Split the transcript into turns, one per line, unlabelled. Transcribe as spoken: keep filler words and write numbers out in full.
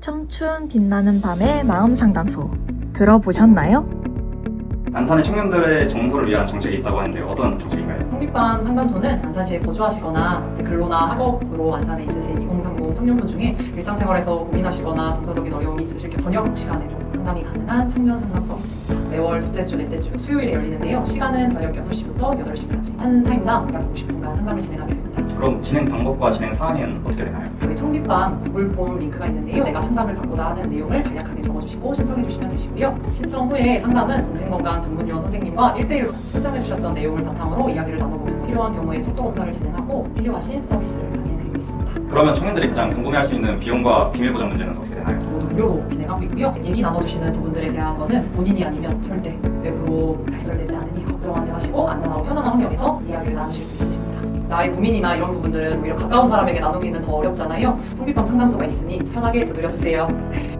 청춘 빛나는 밤의 마음 상담소 들어보셨나요?
안산의 청년들의 정서를 위한 정책이 있다고 하는데 어떤 정책인가요?
성립반 상담소는 안산시에 거주하시거나 근로나 학업으로 안산에 있으신 이공삼공 청년분 중에 일상생활에서 고민하시거나 정서적인 어려움이 있으실 경우 저녁 시간에 좀 상담이 가능한 청년 상담 서비스입니다. 매월 둘째 주, 넷째 주, 수요일에 열리는데요. 시간은 저녁 여섯 시부터 여덟 시까지 한 타임당 약 오십 분간 상담을 진행하게 됩니다.
그럼 진행 방법과 진행 사항은 어떻게 되나요?
저희 청립반 구글 폼 링크가 있는데요. 내가 상담을 받고자 하는 내용을 간략하게 적어주시고 신청해 주시면 되시고요. 신청 후에 상담은 정신건강 전문의원 선생님과 일 대일로 신청해 주셨던 내용을 바탕으로 이야기를 나눠보면서 필요한 경우에 속도 검사를 진행하고 필요하신 서비스를 안내드리고 있습니다.
그러면 청년들이 가장 궁금해할 수 있는 비용과 비밀 보장 문제는 어떻게 되나요?
모두 무료로 진행하고 있고요. 얘기 나눠주시는 부분들에 대한 거는 본인이 아니면 절대 외부로 발설되지 않으니 걱정하지 마시고 안전하고 편안한 환경에서 이야기를 나누실 수 있으십니다. 나의 고민이나 이런 부분들은 오히려 가까운 사람에게 나누기는 더 어렵잖아요. 성립반 상담소가 있으니 편하게 두드려주세요.